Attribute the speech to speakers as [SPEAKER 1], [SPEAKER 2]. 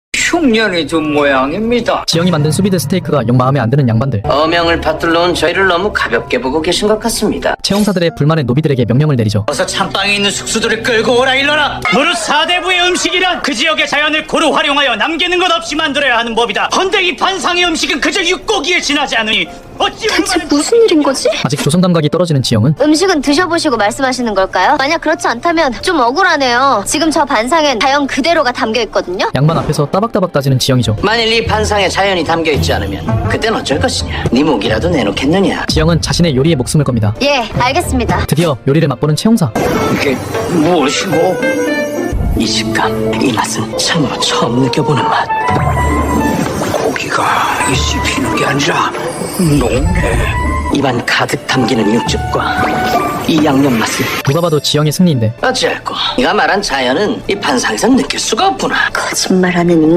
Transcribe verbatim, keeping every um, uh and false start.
[SPEAKER 1] 흉년이 든 모양입니다.
[SPEAKER 2] 지영이 만든 수비드 스테이크가 영 마음에 안 드는 양반들.
[SPEAKER 3] 어명을 받들러 온 저희를 너무 가볍게 보고 계신 것 같습니다.
[SPEAKER 2] 채용사들의 불만에 노비들에게 명령을 내리죠.
[SPEAKER 1] 어서 찬방에 있는 숙수들을 끌고 오라 일러라.
[SPEAKER 4] 무릇 사대부의 음식이란 그 지역의 자연을 고루 활용하여 남기는 것 없이 만들어야 하는 법이다. 헌데 이 반상의 음식은 그저 육고기에 지나지 않으니 어찌
[SPEAKER 5] 대체
[SPEAKER 4] 얼마나
[SPEAKER 5] 무슨 일인 거지?
[SPEAKER 2] 아직 조선 감각이 떨어지는 지영은
[SPEAKER 5] 음식은 드셔보시고 말씀하시는 걸까요? 만약 그렇지 않다면 좀 억울하네요. 지금 저 반상엔 자연 그대로가 담겨 있거든요.
[SPEAKER 2] 양반 앞에서 따박따박 따지는 지영이죠.
[SPEAKER 3] 만일 이 반상에 자연이 담겨있지 않으면 그땐 어쩔 것이냐? 네 목이라도 내놓겠느냐?
[SPEAKER 2] 지영은 자신의 요리에 목숨을 겁니다.
[SPEAKER 5] 예, 알겠습니다.
[SPEAKER 2] 드디어 요리를 맛보는 채용사.
[SPEAKER 1] 이게 무엇이고?
[SPEAKER 3] 이 식감, 이 맛은 참으로 처음 느껴보는 맛.
[SPEAKER 1] 고기가 이 씹히는 게 아니라 녹네.
[SPEAKER 3] 입안 가득 담기는 육즙과 이 양념 맛은
[SPEAKER 2] 누가 봐도 지영의 승리인데
[SPEAKER 3] 어찌할꼬 네가 말한 자연은 이 반상에서 느낄 수가 없구나.
[SPEAKER 5] 거짓말하는